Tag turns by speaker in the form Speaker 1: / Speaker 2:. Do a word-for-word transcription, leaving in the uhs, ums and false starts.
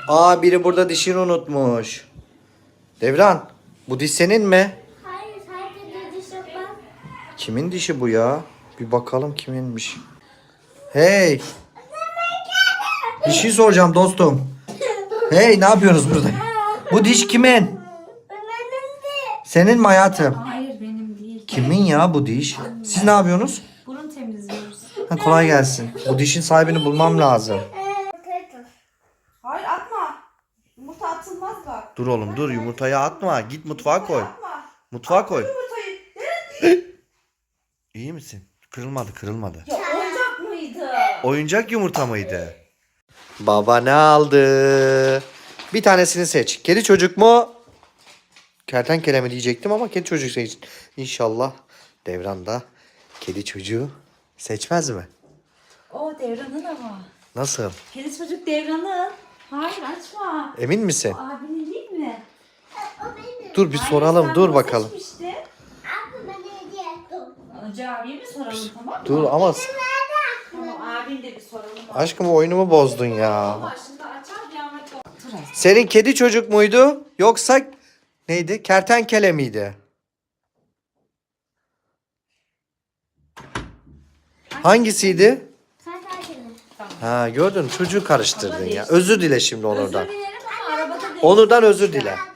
Speaker 1: Aa, biri burada dişini unutmuş. Devran, bu diş senin mi?
Speaker 2: Hayır, sadece diş yapmam.
Speaker 1: Kimin dişi bu ya? Bir bakalım kiminmiş. Hey. Bir şey soracağım dostum. Hey, ne yapıyorsunuz burada? Bu diş kimin?
Speaker 2: Benim de.
Speaker 1: Senin mi hayatım?
Speaker 3: Hayır benim değil.
Speaker 1: Kimin ya bu diş? Siz ne yapıyorsunuz?
Speaker 3: Burun temizliyoruz.
Speaker 1: Ha, kolay gelsin. Bu dişin sahibini bulmam lazım.
Speaker 3: Hayır atma. Yumurta atılmaz bak.
Speaker 1: Dur oğlum dur, yumurtayı atma. Git mutfağa koy.
Speaker 3: Atma.
Speaker 1: Mutfağa koy.
Speaker 3: Yumurtayı.
Speaker 1: İyi misin? Kırılmadı kırılmadı.
Speaker 3: Ya oyuncak mıydı?
Speaker 1: Oyuncak yumurta mıydı? Baba ne aldı? Bir tanesini seç. Kedi çocuk mu? Kertenkele mi diyecektim ama kedi çocuk seç. İnşallah Devran da kedi çocuğu seçmez mi?
Speaker 3: O Devran'ın ama.
Speaker 1: Nasıl?
Speaker 3: Kedi çocuk Devran'ın. Hayır açma.
Speaker 1: Emin misin?
Speaker 3: O abinin değil mi?
Speaker 2: O benim.
Speaker 1: Dur bir
Speaker 3: Hayır,
Speaker 1: soralım.
Speaker 3: sen
Speaker 1: Dur
Speaker 3: bunu
Speaker 1: bakalım.
Speaker 3: seçmiştin.
Speaker 2: Abi bana hediye ettim.
Speaker 3: Önce abiye mi soralım tamam mı?
Speaker 1: Dur ama
Speaker 3: Tamam abin de bir soralım.
Speaker 1: aşkım oyunumu bozdun ya.
Speaker 3: Başında açar bir ama çok.
Speaker 1: Senin kedi çocuk muydu? Yoksa neydi? Kertenkele miydi? Hangisiydi?
Speaker 2: Sen sakin ol.
Speaker 1: Ha, gördün mü? Çocuğu karıştırdın ya. Özür dile şimdi Onur'dan.
Speaker 3: Özür dilerim ama arabada değil.
Speaker 1: Onur'dan özür dile.